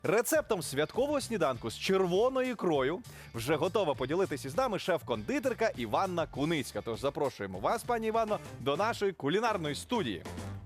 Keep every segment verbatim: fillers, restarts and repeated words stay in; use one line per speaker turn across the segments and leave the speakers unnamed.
Рецептом святкового сніданку з червоною ікрою вже готова поділитися з нами шеф-кондитерка Іванна Куницька. Тож запрошуємо вас, пані Іванно, до нашої кулінарної студії.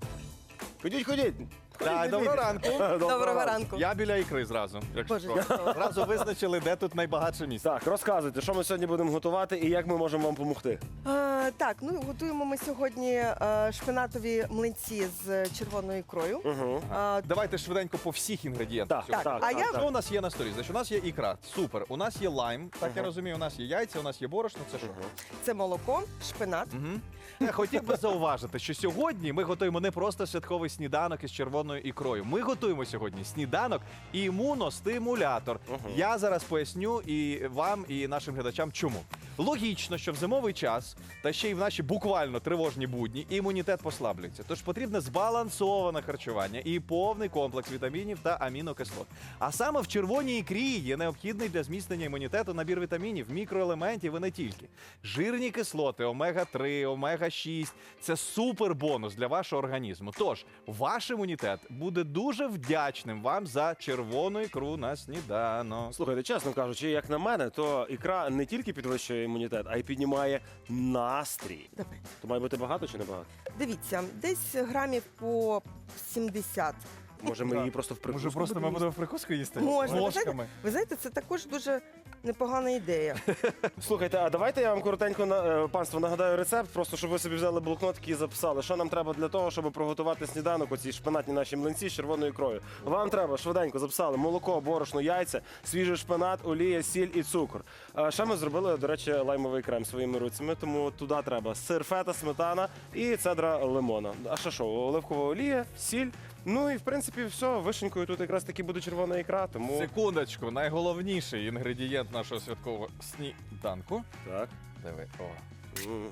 Ходіть, ходіть.
Так, доброго ранку.
Доброго ранку.
Я біля ікри зразу. Якщо
Боже,
що.
дякую.
Зразу визначили, де тут найбагатше місце.
Так, розказуйте, що ми сьогодні будемо готувати і як ми можемо вам допомогти.
А, так, ну готуємо ми сьогодні а, шпинатові млинці з червоною ікрою.
Угу.
А,
Давайте швиденько по всіх інгредієнтах.
Так,
сьогодні.
так,
а
так,
я-
так.
Що у нас є на столі? Значить, у нас є ікра. Супер. У нас є лайм, так я розумію, у нас є яйця, у нас є борошно. Це що?
це молоко, шпинат.
Мгм. Я хотів би зауважити, що сьогодні ми готуємо не просто святковий сніданок із червоною ікрою. Ми готуємо сьогодні сніданок імуностимулятор. Я зараз поясню і вам, і нашим глядачам, чому. Логічно, що в зимовий час, та ще й в наші буквально тривожні будні, імунітет послаблюється. Тож потрібне збалансоване харчування і повний комплекс вітамінів та амінокислот. А саме в червоній ікрі є необхідний для зміцнення імунітету набір вітамінів, мікроелементів і не тільки. Жирні кислоти, омега три, омега шість – це супер бонус для вашого організму. Тож, ваш імунітет буде дуже вдячним вам за червону ікру на сніданок.
Слухайте, чесно кажучи, як на мене, то ікра не тільки підвищує імунітет, а й піднімає настрій.
Давай.
То має бути багато чи не багато?
Дивіться, десь грамів по сімдесят.
Може, ми її просто в прикуску
Може, просто ми
будемо
будемо в прикуску їсти?
Можна. Ви
Ложками.
знаєте, ви знаєте, це також дуже непогана ідея.
їсти? Слухайте, а давайте я вам коротенько, на- е, панство, нагадаю рецепт, просто щоб ви собі взяли блокнотики і записали, що нам треба для того, щоб приготувати сніданок, оці шпинатні наші млинці з червоною ікрою. Вам треба, швиденько записали, молоко, борошно, яйця, свіжий шпинат, олія, сіль і цукор. А ще ми зробили, до речі, лаймовий крем своїми руцями, тому туди треба сир, фета, сметана і цедра лимона. А ще що, оливкова олія, сіль. Ну і в принципі все, вишенькою тут якраз таки буде червона ікра, тому
Секундочку, найголовніший інгредієнт нашого святкового сніданку.
так.
Диви, о.
М.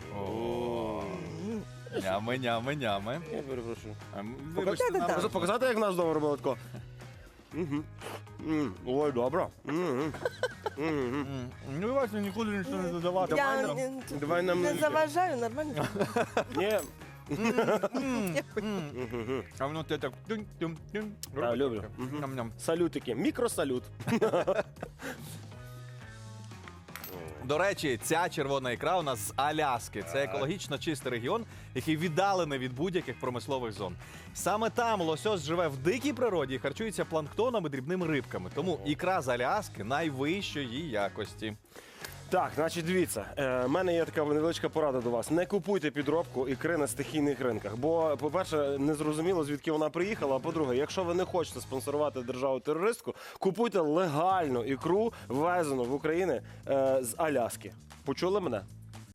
О. Нями, нями, нями.
Я перепрошую.
Ем, Вибачте,
Покажи,
нам
так.
Показ- Показати, як в нас вдома робили тако? Мгм. М, Ой, добре. Мгм. Мгм.
М, Ну, давайте нікуди нічого не додавати.
Я
Давай нам.
не,
Давай нам
не
не-
заважаю, нормально.
Ні,
А воно те так тюнь-тюнь-тюнь.
Так, люблю. Мгм.
Ням-ням.
салютики, мікросалют.
До речі, ця червона ікра у нас з Аляски. Це екологічно чистий регіон, який віддалений від будь-яких промислових зон. Саме там лосось живе в дикій природі і харчується планктоном і дрібними рибками. Тому ікра з Аляски найвищої якості.
Так, значить, дивіться, в мене є така невеличка порада до вас. Не купуйте підробку ікри на стихійних ринках. Бо, по-перше, не зрозуміло, звідки вона приїхала. А по-друге, якщо ви не хочете спонсорувати державу-терористку, купуйте легальну ікру, ввезену в Україну е, з Аляски. Почули мене?